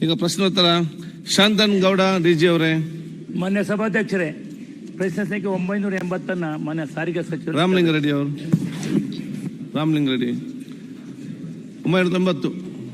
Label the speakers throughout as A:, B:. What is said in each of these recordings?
A: ಈಗ ಪ್ರಶ್ನೋತ್ತರ ಶಾಂತನ್ ಗೌಡ ಡಿಜಿ ಅವರೇ.
B: ಮಾನ್ಯ ಸಭಾಧ್ಯಕ್ಷರೇ, ಪ್ರಶ್ನೆ ಸಂಖ್ಯೆ 980 ಮಾನ್ಯ ಸಾರಿಗೆ ಸಚಿವರು
A: ರಾಮಲಿಂಗ ರೆಡ್ಡಿ ಅವರು. ರಾಮಲಿಂಗ ರೆಡ್ಡಿ 980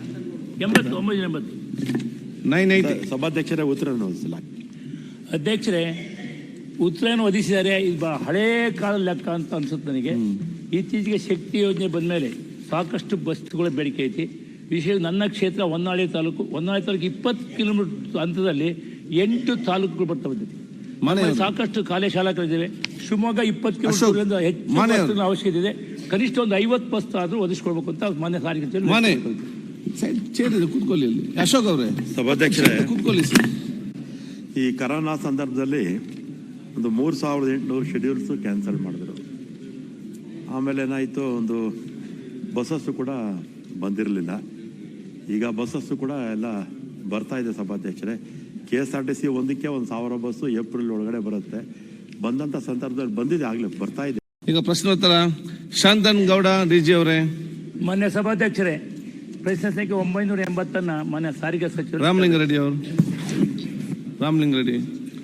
A: 980
C: ಸಭಾಧ್ಯಕ್ಷರೇ ಉತ್ತರ
B: ಅಧ್ಯಕ್ಷರೇ, ಉತ್ತರವನ್ನು ಒದಗಿಸಿದ್ದಾರೆ. ಇದು ಹಳೇ ಕಾಲದ ಲೆಕ್ಕ ಅಂತ ಅನ್ಸುತ್ತೆ ನನಗೆ. ಇತ್ತೀಚೆಗೆ ಶಕ್ತಿ ಯೋಜನೆ ಬಂದ ಮೇಲೆ ಸಾಕಷ್ಟು ಬಸ್ಗಳ ಬೇಡಿಕೆ ಐತಿ. ವಿಶೇಷ ನನ್ನ ಕ್ಷೇತ್ರ ಹೊನ್ನಾಳಿ ತಾಲೂಕು 20 ಕಿಲೋಮೀಟರ್ ಹಂತದಲ್ಲಿ 8 ತಾಲೂಕುಗಳು ಬರ್ತಾ ಬಂದಿದೆ. ಸಾಕಷ್ಟು ಕಾಲೇ ಶಾಲಕರಿದ್ದೇವೆ. ಶಿವಮೊಗ್ಗ 20 ಕಿಲೋಮೀಟರ್ ಹೆಚ್ಚು ಅವಶ್ಯಕತೆ ಇದೆ. ಕನಿಷ್ಠ ಒಂದು 50 ಬಸ್ ಆದ್ರೂ ಒದಗಿಸ್ಕೊಳ್ಬೇಕು ಅಂತ ಮಾನ್ಯ ಸಾರಿಗೆ
A: ಕೂತ್ಕೊಳ್ಳಿ. ಅಶೋಕ್ ಅವರೇ.
C: ಸಭಾಧ್ಯಕ್ಷರೇ,
A: ಕೂತ್ಕೊಳ್ಳಿ.
C: ಈ ಕರೋನಾ ಸಂದರ್ಭದಲ್ಲಿ ಒಂದು 3800 ಶೆಡ್ಯೂಲ್ಸ್ ಕ್ಯಾನ್ಸಲ್ ಮಾಡಿದ್ರು. ಆಮೇಲೆ ಏನಾಯಿತು, ಒಂದು ಬಸ್ಸಸ್ಸು ಕೂಡ ಬಂದಿರಲಿಲ್ಲ. ಈಗ ಬಸ್ಸಸ್ಸು ಕೂಡ ಎಲ್ಲ ಬರ್ತಾ ಇದೆ ಸಭಾಧ್ಯಕ್ಷರೇ. KSRTC ಒಂದಕ್ಕೆ 1000 ಬಸ್ಸು ಏಪ್ರಿಲ್ ಒಳಗಡೆ ಬರುತ್ತೆ. ಬಂದಂಥ ಸಂದರ್ಭದಲ್ಲಿ ಬಂದಿದೆ, ಆಗಲೇ ಬರ್ತಾ ಇದೆ.
A: ಈಗ ಪ್ರಶ್ನೋತ್ತರ ಶಾಂತನ್ ಗೌಡ ಡಿಜಿ ಅವರೇ.
B: ಮಾನ್ಯ ಸಭಾಧ್ಯಕ್ಷರೇ, ಪ್ರಶ್ನೆ ಸಂಖ್ಯೆ 980 ಮಾನ್ಯ ಸಾರಿಗೆ ಸಚಿವರು
A: ರಾಮಲಿಂಗ ರೆಡ್ಡಿ ಅವರು. ರಾಮಲಿಂಗ ರೆಡ್ಡಿ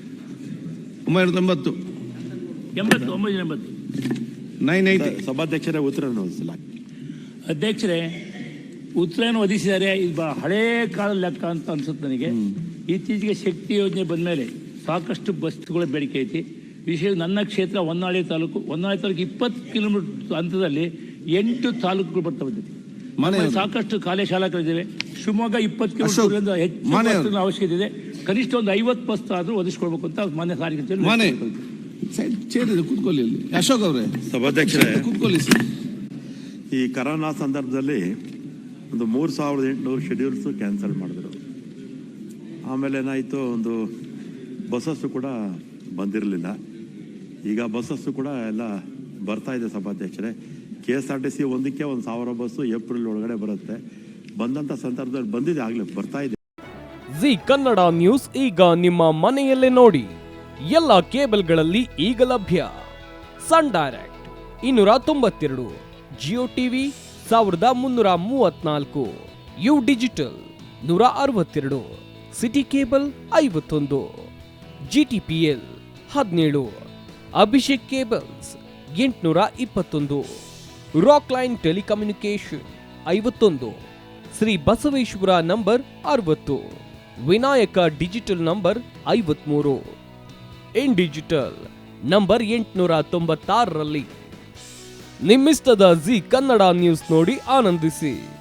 A: 980 980
C: ಸಭಾಧ್ಯಕ್ಷರೇ ಉತ್ತರ
B: ಅಧ್ಯಕ್ಷರೇ, ಉತ್ತರವನ್ನು ಒದಗಿಸಿದ್ದಾರೆ. ಇದು ಹಳೇ ಕಾಲದ ಲೆಕ್ಕ ಅಂತ ಅನ್ಸುತ್ತೆ ನನಗೆ. ಇತ್ತೀಚೆಗೆ ಶಕ್ತಿ ಯೋಜನೆ ಬಂದ ಮೇಲೆ ಸಾಕಷ್ಟು ಬಸ್ಗಳ ಬೇಡಿಕೆ ಐತಿ. ವಿಶೇಷ ನನ್ನ ಕ್ಷೇತ್ರ ಹೊನ್ನಾಳಿ ತಾಲೂಕು 20 ಕಿಲೋಮೀಟರ್ ಹಂತದಲ್ಲಿ 8 ತಾಲೂಕುಗಳು ಬರ್ತಾ ಬಂದಿದೆ. ಸಾಕಷ್ಟು ಕಾಲೇ ಶಾಲಕರಿದ್ದೇವೆ. ಶಿವಮೊಗ್ಗ 20 ಕಿಲೋಮೀಟರ್ ಹೆಚ್ಚು ಅವಶ್ಯಕತೆ ಇದೆ. ಕನಿಷ್ಠ ಒಂದು 50 ಬಸ್ ಆದ್ರೂ ಒದಗಿಸ್ಕೊಳ್ಬೇಕು ಅಂತ ಮಾನ್ಯ ಸಾರಿಗೆ
A: ಕೂತ್ಕೊಳ್ಳಿ. ಅಶೋಕ್ ಅವರೇ.
C: ಸಭಾಧ್ಯಕ್ಷರೇ,
A: ಕೂತ್ಕೊಳ್ಳಿ.
C: ಈ ಕರೋನಾ ಸಂದರ್ಭದಲ್ಲಿ ಒಂದು 3800 ಶೆಡ್ಯೂಲ್ಸ್ ಕ್ಯಾನ್ಸಲ್ ಮಾಡಿದ್ರು. ಆಮೇಲೆ ಏನಾಯಿತು, ಒಂದು ಬಸ್ಸಸ್ಸು ಕೂಡ ಬಂದಿರಲಿಲ್ಲ. ಈಗ ಬಸ್ಸಸ್ಸು ಕೂಡ ಎಲ್ಲ ಬರ್ತಾ ಇದೆ ಸಭಾಧ್ಯಕ್ಷರೇ. KSRTC ಒಂದಕ್ಕೆ 1000 ಬಸ್ಸು ಏಪ್ರಿಲ್ ಒಳಗಡೆ ಬರುತ್ತೆ. ಬಂದಂಥ ಸಂದರ್ಭದಲ್ಲಿ ಬಂದಿದೆ, ಆಗಲೇ ಬರ್ತಾ ಇದೆ.
D: ಜಿ ಕನ್ನಡ ನ್ಯೂಸ್ ಈಗ ನಿಮ್ಮ ಮನೆಯಲ್ಲೇ ನೋಡಿ. ಎಲ್ಲ ಕೇಬಲ್ಗಳಲ್ಲಿ ಈಗ ಲಭ್ಯ. Sun Direct 292, Jio TV 1334, U digital 162, city cable 51, GTPL 17, Abhishek cables 821, rock line telecommunication 51, Shri Basaveshwara number 60, Vinayaka digital number 53, in digital number 896ರಲ್ಲಿ. ನಿಮ್ಮಿಸ್ತದ ಜಿ ಕನ್ನಡ ನ್ಯೂಸ್ ನೋಡಿ ಆನಂದಿಸಿ.